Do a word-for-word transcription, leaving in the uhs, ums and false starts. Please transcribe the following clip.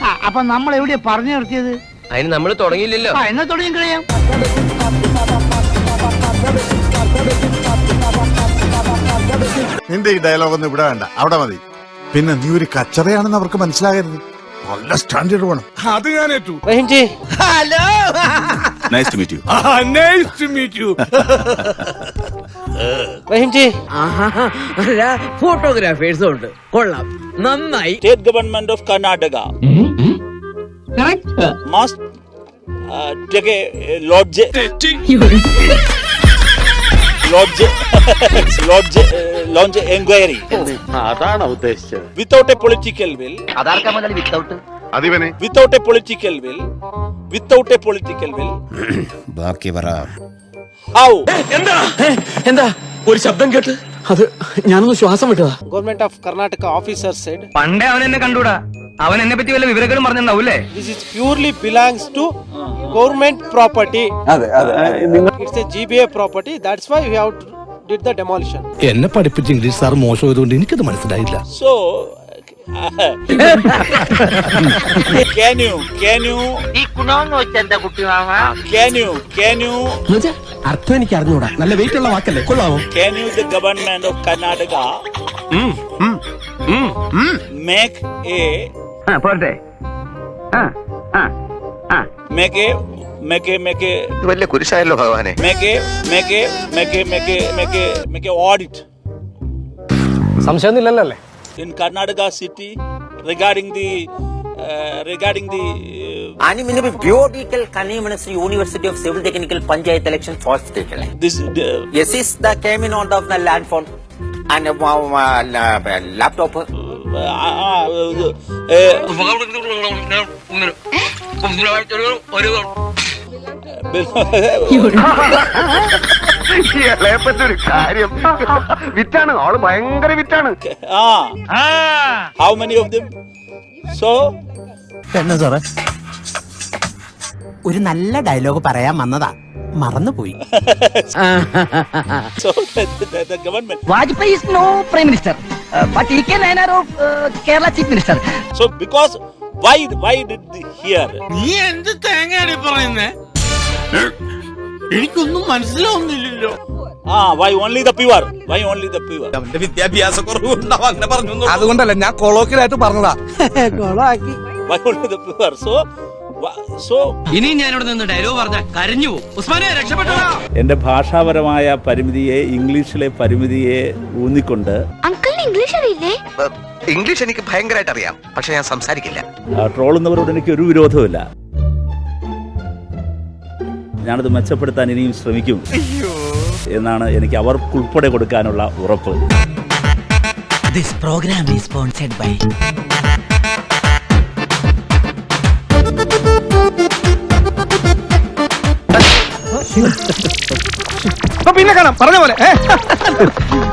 അപ്പൊ നമ്മൾ എവിടെയാ പറഞ്ഞു നിർത്തിയത്? അതിന് നമ്മൾ തുടങ്ങിയില്ലല്ലോ. എന്നാ തുടങ്ങി കഴിയാം. നിന്റെ ഈ ഡയലോഗ് ഒന്നും ഇവിടെ വേണ്ട, അവിടെ മതി. പിന്നെ നീ ഒരു കച്ചറയാണെന്ന് അവർക്ക് മനസ്സിലാകരുത്. നല്ല സ്റ്റാൻഡേർഡ് വേണം. അത് ഞാൻ ഏറ്റു. Raheemji, hello. Nice to meet you. Nice to meet you. Raheemji, ഫോട്ടോഗ്രാഫേഴ്സും ഉണ്ട്. കൊള്ളാം, നന്നായി. State government of Karnataka must uh, take a uh, lodge lodge lodge uh, launch inquiry. അതാണ് ഉദ്ദേശിച്ചത്. Without a political will. അതാർക്കാ മുതൽ വിത്തൗട്ട്? അതിവനെ Without a political will. Without a political will. ബാക്കി പറ. How? എന്താ എന്താ ഒരു ശബ്ദം കേട്ട് അത് ഞാനൊന്ന് ശ്വാസം വിട്ടതാ. Government of Karnataka officer said പണ്ടേ അവൻ എന്നെ കണ്ടൂടാ. അവൻ എന്നെ പറ്റി വല്ല വിവരങ്ങളും പറഞ്ഞിട്ടുണ്ടാവൂല്ലേ? this is purely belongs to government property. It's a G B A property. That's why we have to did the demolition. എന്നെ പഠിപ്പിച്ച ഇംഗ്ലീഷ് സാർ മോശമായതുകൊണ്ട് എനിക്കത് മനസ്സിലായില്ല. So can you can you ഈ കുണോന്ന് വെച്ച എന്താ കുട്ടി മാമ? can you can you അർത്ഥം എനിക്ക് അറിഞ്ഞൂടാ. നല്ല വെയിറ്റ് ഉള്ള വാക്കല്ലേ, കൊള്ളാമോ? can you the government of Karnataka make a പോരട്ടെ. make a make a make a വലിയ കുരിശായല്ലോ ഭഗവാനെ. make a make a make a make a make a make a audit സംശയമൊന്നുമില്ലല്ലോ അല്ലേ? in Karnataka city regarding the uh, regarding the uh, आणि म्हणजे बियोडिकल कन्वीनमेंट्स university of civil technical panchayat election first state है this uh, yes is the came in on of the land phone and uh, laptop uh, uh, ഒരു കാര്യം വിറ്റാണ് ആള്, ഭയങ്കര വിറ്റാണ്. ah how many of them? So എന്നാ സാറേ? ഒരു നല്ല ഡയലോഗ് പറയാൻ വന്നതാ, മറന്നുപോയി. so the, the, the government Vajpayee is no prime minister, uh, but he can enter of uh, Kerala chief minister. so because why why did the here നീ എന്ത് തേങ്ങയാണ് പറയുന്നേ? എനിക്കൊന്നും മനസ്സിലാവുന്നില്ലല്ലോ. ah why only the pure why only the pure വിദ്യാഭ്യാസ കുറവുണ്ടാവും അങ്ങനെ പറഞ്ഞു. അതുകൊണ്ടല്ല, ഞാൻ കൊളോക്കിലായിട്ട് പറഞ്ഞതാ. why only the pure so wha- so ഇനി ഞാൻ ഇവിടെ നിന്ന് ഡയലോഗ് പറഞ്ഞ കരഞ്ഞു പോകും. ഉസ്മാനെ രക്ഷപ്പെട്ടോ. എന്റെ ഭാഷാപരമായ പരിമിതിയെ ഇംഗ്ലീഷിലെ പരിമിതിയെ ഊന്നിക്കൊണ്ട് അങ്കിളിന് ഇംഗ്ലീഷ് അറിയില്ലേ? ഇംഗ്ലീഷ് എനിക്ക് ഭയങ്കരമായിട്ട് അറിയാം, പക്ഷെ ഞാൻ സംസാരിക്കില്ല. ട്രോളുന്നവരോട് എനിക്ക് ഒരു വിരോധവുമില്ല. ഞാനത് മെച്ചപ്പെടുത്താൻ ഇനിയും ശ്രമിക്കും എന്നാണ് എനിക്ക് അവർക്കുൾപ്പെടെ കൊടുക്കാനുള്ള ഉറപ്പ്. This program is sponsored by പിന്നെ കാണാം, പറഞ്ഞ പോലെ.